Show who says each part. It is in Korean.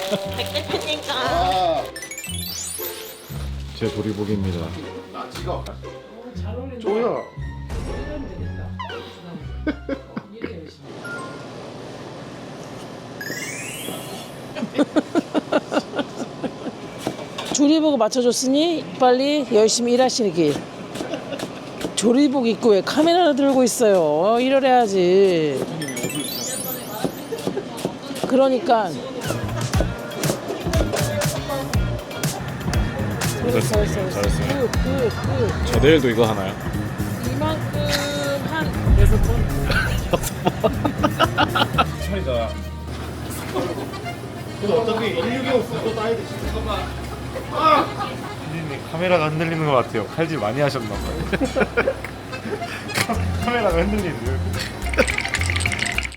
Speaker 1: 백 대표님과
Speaker 2: 제 도리복입니다.
Speaker 3: 나 찍어.
Speaker 4: 잘 어울린다.
Speaker 3: 쪼여.
Speaker 4: 이러면 되겠다. 이래 열심히. 조리복 맞춰줬으니 빨리 열심히 일하시길. 조리복 입고 왜 카메라를 들고 있어요? 이래야지. 그러니까.
Speaker 2: 잘했어요. 잘했어요.
Speaker 4: 굿.
Speaker 2: 저 내일도 이거 하나요?
Speaker 4: 이만큼 한 6번.
Speaker 2: 차이가
Speaker 3: 근데 어차피 165 쓰고 따야 돼.
Speaker 2: 피디님 카메라가 흔들리는 것 같아요. 칼질 많이 하셨나 봐요. 카메라가 흔들리는데요.